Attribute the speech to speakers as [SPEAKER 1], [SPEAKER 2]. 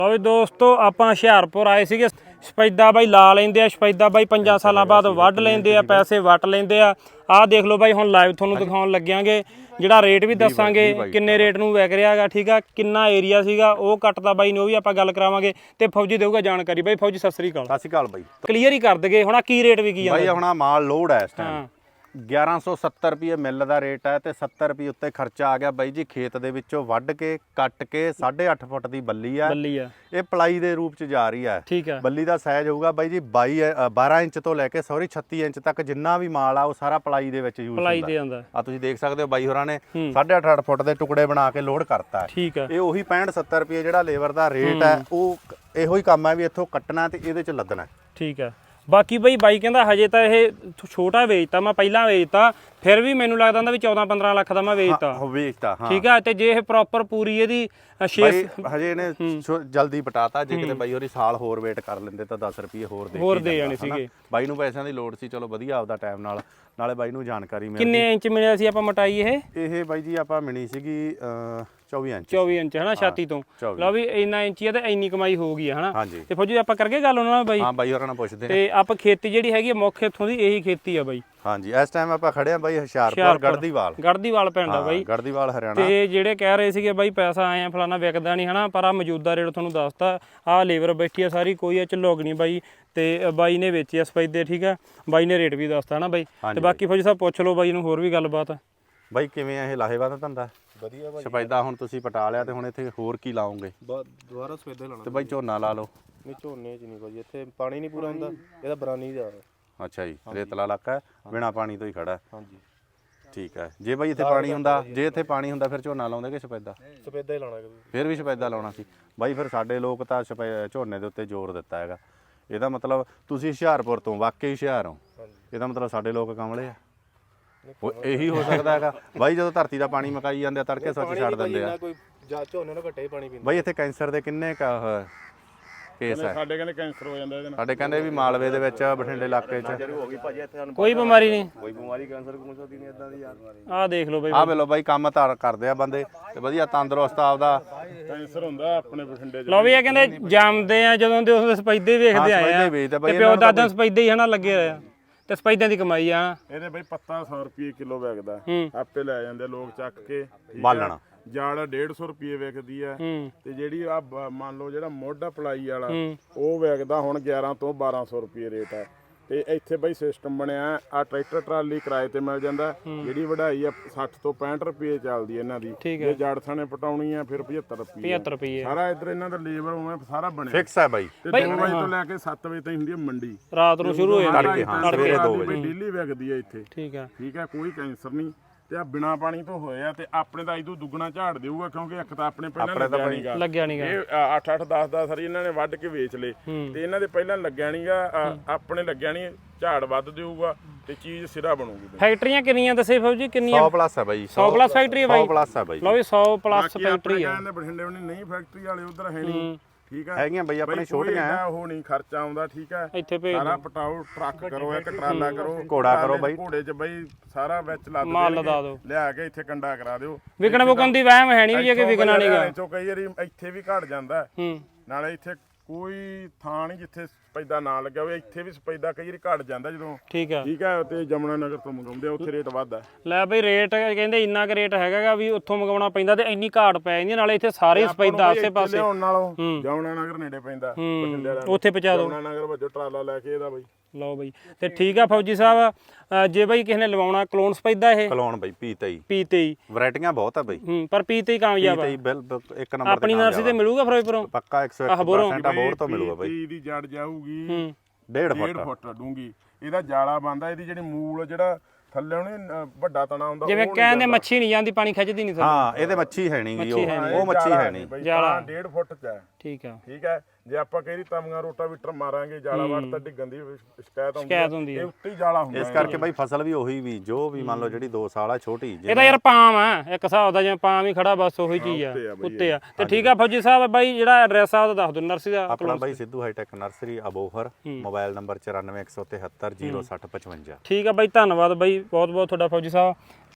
[SPEAKER 1] ਲਓ ਦੋਸਤੋ ਆਪਾਂ ਹੁਸ਼ਿਆਰਪੁਰ ਆਏ ਸੀਗੇ। ਸਫੈਦਾ ਬਾਈ ਲਾ ਲੈਂਦੇ ਆ, ਸਫੈਦਾ ਬਾਈ 5 ਸਾਲਾਂ ਬਾਅਦ ਵੱਢ ਲੈਂਦੇ ਆ, ਪੈਸੇ ਵੱਟ ਲੈਂਦੇ ਆ। ਆਹ ਦੇਖ ਲਓ ਬਾਈ, ਹੁਣ ਲਾਈਵ ਤੁਹਾਨੂੰ ਦਿਖਾਉਣ ਲੱਗਿਆਂਗੇ, ਜਿਹੜਾ ਰੇਟ ਵੀ ਦੱਸਾਂਗੇ ਕਿੰਨੇ ਰੇਟ ਨੂੰ ਵਿਕ ਰਿਹਾ ਹੈਗਾ। ਠੀਕ ਆ, ਕਿੰਨਾ ਏਰੀਆ ਸੀਗਾ ਉਹ ਕੱਟਦਾ ਬਾਈ ਨੇ, ਉਹ ਵੀ ਆਪਾਂ ਗੱਲ ਕਰਾਵਾਂਗੇ ਤੇ ਫੌਜੀ ਦੇਊਗਾ ਜਾਣਕਾਰੀ। ਬਾਈ ਫੌਜੀ ਸਤਿ ਸ੍ਰੀ ਅਕਾਲ।
[SPEAKER 2] ਸਤਿ ਸ੍ਰੀ ਅਕਾਲ ਬਾਈ,
[SPEAKER 1] ਕਲੀਅਰ ਹੀ ਕਰ ਦਗੇ ਹੁਣ ਕੀ ਰੇਟ ਵਿਕੀ ਜਾਂਦਾ
[SPEAKER 2] ਬਾਈ। ਹੁਣ ਮਾਲ ਲੋਡ ਹੈ ਇਸ ਟਾਈਮ 1170 ਰੁਪਏ ਮਿੱਲ ਦਾ ਰੇਟ ਹੈ ਤੇ 70 ਰੁਪਏ ਉੱਤੇ ਖਰਚਾ ਆ ਗਿਆ ਬਾਈ ਜੀ। ਖੇਤ ਦੇ ਵਿੱਚੋਂ ਵੱਢ ਕੇ ਕੱਟ ਕੇ 8.5 ਫੁੱਟ ਦੀ ਬੱਲੀ ਆ। ਇਹ ਪਲਾਈ ਦੇ ਰੂਪ ਚ ਜਾ ਰਹੀ ਹੈ।
[SPEAKER 1] ਠੀਕ ਹੈ, ਬੱਲੀ
[SPEAKER 2] ਦਾ ਸਾਈਜ਼ ਹੋਊਗਾ ਬਾਈ ਜੀ 12 ਇੰਚ ਤੋਂ ਲੈ ਕੇ 36 ਇੰਚ ਤੱਕ ਜਿੰਨਾ ਵੀ ਮਾਲ ਆ ਉਹ ਸਾਰਾ ਪਲਾਈ ਦੇ ਵਿੱਚ ਯੂਜ਼ ਹੁੰਦਾ। ਆ ਤੁਸੀਂ ਦੇਖ ਸਕਦੇ ਹੋ ਬਾਈ ਹੋਰਾਂ ਨੇ 8.5 ਫੁੱਟ ਦੇ ਟੁਕੜੇ ਬਣਾ ਕੇ ਲੋਡ ਕਰਤਾ।
[SPEAKER 1] ਠੀਕ ਹੈ,
[SPEAKER 2] ਇਹ ਉਹੀ 65-70 ਰੁਪਏ ਜਿਹੜਾ ਲੇਬਰ ਦਾ ਰੇਟ ਹੈ, ਉਹ ਇਹੋ ਹੀ ਕੰਮ ਹੈ ਵੀ ਇੱਥੋਂ ਕੱਟਣਾ ਤੇ ਇਹਦੇ ਚ ਲੱਦਣਾ।
[SPEAKER 1] ਠੀਕ ਹੈ। ਬਾਕੀ ਬਾਈ ਕਹਿੰਦਾ ਹਜੇ ਤਾਂ ਇਹ ਛੋਟਾ ਵੇਚਤਾ, ਮੈਂ ਪਹਿਲਾਂ ਵੇਚਤਾ, ਫਿਰ ਵੀ ਮੈਨੂੰ ਲੱਗਦਾ ਹੁੰਦਾ ਵੀ 14-15 ਲੱਖ ਦਾ ਮੈਂ ਵੇਚਤਾ। ਠੀਕ ਆ, ਤੇ ਜੇ ਇਹ ਪ੍ਰੋਪਰ ਪੂਰੀ ਇਹਦੀ
[SPEAKER 2] ਹਜੇ ਇਹਨੇ ਜਲਦੀ ਪਟਾਤਾ। ਜੇ ਕਿਤੇ ਬਾਈ ਹੋਰੀ ਸਾਲ ਹੋਰ ਵੇਟ ਕਰ ਲੈਂਦੇ ਤਾਂ 10 ਰੁਪਏ ਹੋਰ ਦੇ ਜਾਣੇ ਸੀਗੇ। ਬਾਈ ਨੂੰ ਪੈਸਿਆਂ ਦੀ ਲੋੜ ਸੀ, ਚਲੋ ਵਧੀਆ ਆਪਦਾ ਟਾਈਮ ਨਾਲੇ ਬਾਈ ਨੂੰ ਜਾਣਕਾਰੀ ਮਿਲ ਗਈ।
[SPEAKER 1] ਕਿੰਨੇ ਇੰਚ ਮਿਲਿਆ ਸੀ ਆਪਾਂ ਮਟਾਈ?
[SPEAKER 2] ਇਹ ਬਾਈ ਜੀ ਆਪਾਂ ਮਿਲੀ ਸੀਗੀ
[SPEAKER 1] 24 ਇੰਚ ਹਨਾ, ਛਾਤੀ ਤੋਂ। ਲਓ ਵੀ ਇੰਨਾ ਇੰਚੀ ਆ ਤੇ ਇੰਨੀ ਕਮਾਈ ਹੋ ਗਈ ਹਨਾ। ਤੇ ਫੌਜੀ ਆਪਾਂ ਕਰਕੇ ਗੱਲ ਉਹਨਾਂ ਨਾਲ ਬਾਈ।
[SPEAKER 2] ਹਾਂ ਬਾਈ ਹੋਰਾਂ ਨਾਲ ਪੁੱਛਦੇ
[SPEAKER 1] ਤੇ ਆਪਾਂ ਖੇਤੀ ਜਿਹੜੀ ਹੈਗੀ ਮੁੱਖ ਇੱਥੋਂ ਦੀ ਇਹੀ ਖੇਤੀ ਆ ਬਾਈ।
[SPEAKER 2] ਹਾਂਜੀ, ਇਸ ਟਾਈਮ ਆਪਾਂ ਖੜੇ ਆ ਬਾਈ ਹੁਸ਼ਿਆਰਪੁਰ
[SPEAKER 1] ਗੜਦੀਵਾਲ ਪਿੰਡ ਆ ਬਾਈ,
[SPEAKER 2] ਗੜਦੀਵਾਲ ਹਰਿਆਣਾ।
[SPEAKER 1] ਤੇ ਜਿਹੜੇ ਕਹਿ ਰਹੇ ਸੀਗੇ ਬਾਈ ਪੈਸਾ ਆਏ ਆ ਫਲਾਣਾ ਵਿਕਦਾ ਨਹੀਂ ਹਨਾ, ਪਰ ਆ ਮੌਜੂਦਾ ਰੇਟ ਤੁਹਾਨੂੰ ਦੱਸਤਾ। ਆਹ ਲੇਬਰ ਬੈਠੀ ਆ ਸਾਰੀ, ਕੋਈ ਇਹ ਝਲੋਗ ਨਹੀਂ ਬਾਈ। ਤੇ ਬਾਈ ਨੇ ਵੇਚੀ ਆ ਸਫੈਦੇ। ਠੀਕ ਆ, ਬਾਈ ਨੇ ਰੇਟ ਵੀ ਦੱਸਤਾ ਹਨਾ ਬਾਈ। ਤੇ ਬਾਕੀ ਫੌਜੀ ਸਾਹਿਬ ਪੁੱਛ ਲਓ ਬਾਈ ਨੂੰ ਹੋਰ ਵੀ ਗੱਲਬਾਤ।
[SPEAKER 2] ਬਾਈ ਕਿਵੇਂ ਆ ਇਹ ਲਾਹੇਵੰਦ ਧੰਦਾ?
[SPEAKER 3] ਵਧੀਆ ਬਾਈ।
[SPEAKER 2] ਸਫੈਦਾ ਹੁਣ ਤੁਸੀਂ ਪਟਾ ਲਿਆ ਤੇ ਹੁਣ ਇੱਥੇ ਹੋਰ ਕੀ ਲਾਓਗੇ?
[SPEAKER 3] ਦੁਬਾਰਾ ਸਫੈਦਾ ਲਾਉਣਾ
[SPEAKER 2] ਤੇ ਬਾਈ ਝੋਨਾ ਲਾ ਲਓ।
[SPEAKER 3] ਨਹੀਂ ਝੋਨੇ ਚ ਨਹੀਂ ਬਾਈ, ਇੱਥੇ ਪਾਣੀ ਨਹੀਂ ਪੂਰਾ ਹੁੰਦਾ, ਇਹਦਾ ਬਰਾਨੀ ਦਾ।
[SPEAKER 2] ਅੱਛਾ ਜੀ, ਰੇਤਲਾ ਇਲਾਕਾ ਹੈ, ਬਿਨਾ ਪਾਣੀ ਤੋਂ ਹੀ ਖੜਾ ਹੈ।
[SPEAKER 3] ਹਾਂਜੀ
[SPEAKER 2] ਠੀਕ ਹੈ। ਜੇ ਬਾਈ ਇੱਥੇ ਪਾਣੀ ਹੁੰਦਾ, ਫਿਰ ਝੋਨਾ ਲਾਉਂਦੇ ਕਿ ਸਫੈਦਾ?
[SPEAKER 3] ਸਫੈਦਾ ਹੀ ਲਾਉਣਾ।
[SPEAKER 2] ਫਿਰ ਵੀ ਸਫੈਦਾ ਲਾਉਣਾ ਸੀ ਬਾਈ। ਫਿਰ ਸਾਡੇ ਲੋਕ ਤਾਂ ਝੋਨੇ ਦੇ ਉੱਤੇ ਜ਼ੋਰ ਦਿੱਤਾ ਹੈਗਾ। ਇਹਦਾ ਮਤਲਬ ਤੁਸੀਂ ਹੁਸ਼ਿਆਰਪੁਰ ਤੋਂ ਵਾਕਈ ਹੁਸ਼ਿਆਰ ਹੋ, ਇਹਦਾ ਮਤਲਬ ਸਾਡੇ ਲੋਕ ਕਮਲੇ ਆ। ਇਹੀ ਹੋ ਸਕਦਾ ਹੈਗਾ ਬਾਈ, ਜਦੋਂ ਧਰਤੀ ਦਾ ਪਾਣੀ ਮਕਾਈ ਜਾਂਦੇ ਆ ਤੜਕੇ ਸੱਚ ਛੱਡ ਦਿੰਦੇ ਆ।
[SPEAKER 3] ਝੋਨੇ ਨੂੰ ਘੱਟੇ ਪਾਣੀ ਪੀਂਦਾ
[SPEAKER 2] ਬਾਈ। ਇੱਥੇ ਕੈਂਸਰ ਦੇ ਕਿੰਨੇ ਕੇਸ ਹੈ?
[SPEAKER 4] ਸਾਡੇ ਕਹਿੰਦੇ ਕੈਂਸਰ ਹੋ ਜਾਂਦਾ ਇਹਦੇ ਨਾਲ।
[SPEAKER 2] ਸਾਡੇ ਕਹਿੰਦੇ ਵੀ ਮਾਲਵੇ ਦੇ ਵਿੱਚ, ਬਠਿੰਡੇ ਇਲਾਕੇ 'ਚ
[SPEAKER 1] ਕੋਈ ਬਿਮਾਰੀ ਨਹੀਂ,
[SPEAKER 3] ਕੋਈ ਬਿਮਾਰੀ ਕੈਂਸਰ ਕੁੰਸਰ ਨਹੀਂ ਇਦਾਂ ਦੀ ਯਾਰ।
[SPEAKER 1] ਆਹ ਦੇਖ ਲਓ ਬਾਈ,
[SPEAKER 2] ਆਹ ਵੇਲੋ ਬਾਈ, ਕੰਮ ਧਾਰ ਕਰਦੇ ਆ ਬੰਦੇ ਤੇ ਵਧੀਆ ਤੰਦਰੁਸਤ ਆਪਦਾ।
[SPEAKER 4] ਕੈਂਸਰ ਹੁੰਦਾ ਆਪਣੇ ਬਠਿੰਡੇ 'ਚ।
[SPEAKER 1] ਲਓ ਵੀ ਇਹ ਕਹਿੰਦੇ ਜੰਮਦੇ ਆ ਜਦੋਂ ਦੇ ਉਸ ਸਪੈਦੇ ਵੇਖਦੇ ਆਏ ਆ, ਤੇ ਪਿਓ ਦਾਦਾ ਸਪੈਦੇ ਹੀ ਹਨਾ ਲੱਗੇ ਹੋਏ ਆ, ਤੇ ਸਪੈਦਿਆਂ ਦੀ ਕਮਾਈ ਆ।
[SPEAKER 4] ਇਹਦੇ ਬਈ ਪੱਤਾ 100 ਰੁਪਏ ਕਿਲੋ ਵਿਕਦਾ, ਆਪੇ ਲੈ ਜਾਂਦੇ ਲੋਕ ਚੱਕ ਕੇ।
[SPEAKER 2] ਬਾਲਣਾ
[SPEAKER 4] ਜਾੜ 150 ਰੁਪਏ ਵਿਕਦੀ ਆ। ਤੇ ਜਿਹੜੀ ਆ ਮੰਨ ਲਓ ਜਿਹੜਾ ਮੋਢਾ ਪਲਾਈ ਵਾਲਾ ਉਹ ਵਿਕਦਾ ਹੁਣ 11 ਤੋਂ 1200 ਰੁਪਏ ਰੇਟ ਆ। ਤੇ ਇੱਥੇ ਬਈ ਸਿਸਟਮ ਬਣਿਆ, ਆ ਟਰੈਕਟਰ ਟਰਾਲੀ ਕਿਰਾਏ ਤੇ ਮਿਲ ਜਾਂਦਾ। ਜਿਹੜੀ ਵਢਾਈ ਆ 60 ਤੋਂ 65 ਰੁਪਏ ਚੱਲਦੀ ਇਹਨਾਂ ਦੀ। ਜੇ ਜੜ ਥਾਣੇ ਪਟਾਉਣੀ ਆ ਫਿਰ 75 ਰੁਪਏ। ਸਾਰਾ ਇੱਧਰ ਇਹਨਾਂ ਦਾ ਲੇਬਰ ਉਵੇਂ ਸਾਰਾ ਬਣਿਆ
[SPEAKER 2] ਫਿਕਸ ਹੈ ਬਾਈ।
[SPEAKER 4] ਤੇ 2 ਵਜੇ ਤੋਂ ਲੈ ਕੇ 7 ਵਜੇ ਤਾਈਂ ਹੁੰਦੀ ਹੈ ਮੰਡੀ,
[SPEAKER 1] ਰਾਤ ਨੂੰ ਸ਼ੁਰੂ ਹੋ ਜਾਂਦੀ
[SPEAKER 2] ਤੜਕੇ। ਹਾਂ, ਸਵੇਰੇ 2 ਵਜੇ
[SPEAKER 4] ਡੇਲੀ ਵਿਕਦੀ ਆ ਇੱਥੇ। ਠੀਕ ਆ, ਕੋਈ ਕੈਂਸਰ ਨਹੀਂ। ਤੇ ਆ ਬਿਨਾ ਪਾਣੀ ਤੋਂ ਹੋਇਆ ਤੇ ਆਪਣੇ ਤਾਂ ਇਦੋਂ ਦੁੱਗਣਾ ਝਾੜ ਦੇਊਗਾ, ਕਿਉਂਕਿ ਇੱਕ ਤਾਂ ਆਪਣੇ ਪਹਿਲਾਂ
[SPEAKER 1] ਲੱਗਿਆ ਨਹੀਂਗਾ।
[SPEAKER 4] ਇਹ 8-8 10-10 ਸਾਰੀ ਇਹਨਾਂ ਨੇ ਵੱਢ ਕੇ ਵੇਚ ਲਏ, ਤੇ ਇਹਨਾਂ ਦੇ ਪਹਿਲਾਂ ਲੱਗਿਆ ਨਹੀਂਗਾ, ਆਪਣੇ ਲੱਗਿਆ ਨਹੀਂ। ਝਾੜ ਵੱਧ ਦੇਊਗਾ ਤੇ ਚੀਜ਼ ਸਿਰਾ ਬਣੂਗੀ।
[SPEAKER 1] ਫੈਕਟਰੀਆਂ ਕਿੰਨੀਆਂ ਦੱਸੇ ਫੌਜੀ? ਕਿੰਨੀਆਂ?
[SPEAKER 2] 100 ਪਲੱਸ ਹੈ ਬਾਈ।
[SPEAKER 1] 100 ਪਲੱਸ ਫੈਕਟਰੀ ਹੈ ਬਾਈ।
[SPEAKER 2] 100 ਪਲੱਸ ਹੈ ਬਾਈ।
[SPEAKER 1] ਲਓ ਵੀ 100 ਪਲੱਸ ਫੈਕਟਰੀ ਆ।
[SPEAKER 4] ਕਹਿੰਦੇ ਬਠਿੰਡੇ ਉਹਨੇ ਨਹੀਂ ਫੈਕਟਰੀ ਵਾਲੇ ਉਧਰ ਹੈ ਨਹੀਂ। ਠੀਕ ਆ,
[SPEAKER 2] ਹੈਗੀਆਂ ਬਾਈ ਆਪਣੇ ਛੋਟੀਆਂ ਆ,
[SPEAKER 4] ਉਹ ਨਹੀਂ ਖਰਚਾ ਆਉਂਦਾ। ਠੀਕ ਆ,
[SPEAKER 1] ਇੱਥੇ ਭੇਜ
[SPEAKER 4] ਸਾਰਾ ਪਟਾਓ, ਟਰੱਕ ਕਰੋ, ਇੱਕ ਟਰਾਲਾ ਕਰੋ,
[SPEAKER 2] ਘੋੜਾ ਕਰੋ ਬਾਈ।
[SPEAKER 4] ਘੋੜੇ 'ਚ ਬਾਈ ਸਾਰਾ ਵਿੱਚ ਲੱਦ
[SPEAKER 1] ਮਾਲ ਲਦਾ ਦਿਓ,
[SPEAKER 4] ਲਿਆ ਕੇ ਇੱਥੇ ਕੰਡਾ ਕਰਾ ਦਿਓ।
[SPEAKER 1] ਵਿਕਣ ਵੁਕਣ ਦੀ ਵਹਿਮ ਹੈ ਨਹੀਂ ਵੀ ਜੇ ਕਿ ਵਿਕਣਾ ਨਹੀਂਗਾ।
[SPEAKER 4] ਕਈ ਵਾਰੀ ਇੱਥੇ ਵੀ ਘਟ ਜਾਂਦਾ। ਨਾਲੇ ਇੱਥੇ ਕੋਈ ਥਾਂ ਨਹੀਂ ਜਿੱਥੇ ਸਪੈਦਾ ਨਾ ਲੱਗਿਆ ਹੋਵੇ। ਇੱਥੇ ਵੀ ਸਪੈਦਾ ਕਈ ਵਾਰੀ ਘਟ ਜਾਂਦਾ ਜਦੋਂ। ਠੀਕ ਆ, ਤੇ ਜਮਨਾ ਨਗਰ ਤੋਂ ਮੰਗਾਉਂਦੇ ਆ, ਉੱਥੇ ਰੇਟ ਵੱਧਦਾ। ਲੈ ਬਈ ਰੇਟ ਕਹਿੰਦੇ ਇੰਨਾ ਕੁ ਰੇਟ ਹੈਗਾ ਵੀ ਉੱਥੋਂ ਮੰਗਵਾਉਣਾ ਪੈਂਦਾ, ਤੇ ਇੰਨੀ ਘਾਟ ਪੈ ਜਾਂਦੀ। ਨਾਲੇ ਇੱਥੇ ਸਾਰੇ ਸਪੈਦਾ ਆਸੇ ਪਾਸੇ ਲਿਆਉਣ ਨਾਲੋਂ ਜਮਨਾ ਨਗਰ ਨੇੜੇ ਪੈਂਦਾ,
[SPEAKER 1] ਉੱਥੇ ਪਹੁੰਚਾ ਦਿਓ।
[SPEAKER 4] ਜਮਨਾ ਨਗਰ ਵੱਜੋ ਟਰਾਲਾ ਲੈ ਕੇ ਇਹਦਾ ਬਾਈ।
[SPEAKER 1] ਲਓ ਬਈ, ਤੇ ਠੀਕ ਆ ਫੌਜੀ ਸਾਹਿਬ, ਜੇ ਬਈ ਕਿਸੇ ਨੇ ਲਵਾਉਣਾ ਕਲੋਨ ਸਪੈਦਾ, ਇਹ
[SPEAKER 2] ਕਲੋਨ ਬਈ
[SPEAKER 1] P23
[SPEAKER 2] ਵੈਰਾਈਟੀਆਂ ਬਹੁਤ ਆ ਬਈ।
[SPEAKER 1] ਪਰ P23 ਕਾਮਯਾਬ ਆ।
[SPEAKER 2] ਇੱਕ ਨੰਬਰ
[SPEAKER 1] ਆਪਣੀ ਨਰਸਰੀ ਤੇ ਮਿਲੂਗਾ ਫਿਰੋਜ਼ਪੁਰੋਂ
[SPEAKER 2] ਪੱਕਾ 101% ਅਬੋਰ ਤੋਂ ਮਿਲੂਗਾ ਬਈ।
[SPEAKER 4] ਇਹਦੀ ਜੜ ਜਾਊਗੀ
[SPEAKER 2] 1.5
[SPEAKER 4] ਫੁੱਟ ਡੂੰਗੀ। ਇਹਦਾ ਜਾਲਾ ਬੰਦਾ, ਇਹਦੀ ਜਿਹੜੀ ਮੂਲ ਜਿਹੜਾ ਥੱਲੇ ਉਹਨੇ ਵੱਡਾ ਤਣਾ ਹੁੰਦਾ,
[SPEAKER 1] ਜਿਵੇਂ ਕਹਿੰਦੇ ਮੱਛੀ ਨਹੀਂ ਜਾਂਦੀ, ਪਾਣੀ ਖਿੱਚਦੀ ਨਹੀਂ।
[SPEAKER 2] ਹਾਂ, ਇਹਦੇ ਮੱਛੀ ਹੈ ਨਹੀਂ, ਉਹ ਮੱਛੀ ਹੈ ਨਹੀਂ।
[SPEAKER 4] ਜਾਲਾ 1.5 ਫੁੱਟ ਚ ਹੈ।
[SPEAKER 1] ਠੀਕ ਆ।
[SPEAKER 4] ਜੇ ਆਪਾਂ ਕਹੀ ਤਵੀਆਂ ਰੋਟਾਵੀਟਰ ਮਾਰਾਂਗੇ, ਜਾਲਾ ਵੱਟ ਤਾਂ ਡਿੱਗਣ ਦੀ ਸ਼ਿਕਾਇਤ ਹੁੰਦੀ ਹੈ। ਉੱਤੇ ਹੀ ਜਾਲਾ ਹੁੰਦਾ।
[SPEAKER 2] ਇਸ ਕਰਕੇ ਬਾਈ ਫਸਲ ਵੀ ਉਹੀ ਵੀ ਜੋ ਵੀ ਮੰਨ ਲਓ ਜਿਹੜੀ 2 ਸਾਲ ਆ ਛੋਟੀ।
[SPEAKER 1] ਇਹਦਾ ਯਾਰ ਪਾਮ ਆ ਇੱਕ ਹਿਸਾਬ ਦਾ, ਜਿਵੇਂ ਪਾਮ ਹੀ ਖੜਾ, ਬਸ ਉਹੀ ਚੀਜ਼ ਆ, ਉੱਤੇ ਆ। ਤੇ ਠੀਕ ਆ ਫੌਜੀ ਸਾਹਿਬ, ਬਾਈ ਜਿਹੜਾ ਐਡਰੈਸ ਆ ਉਹ ਦੱਸ ਦਿਓ ਨਰਸਰੀ ਦਾ।
[SPEAKER 2] ਆਪਣਾ ਬਾਈ Sidhu hi tech nursery Abohar, mobile number 94 173 0655।
[SPEAKER 1] ਠੀਕ ਆ ਬਾਈ, ਧੰਨਵਾਦ ਬਾਈ, ਬਹੁਤ ਬਹੁਤ ਤੁਹਾਡਾ ਫੌਜੀ ਸਾਹਿਬ।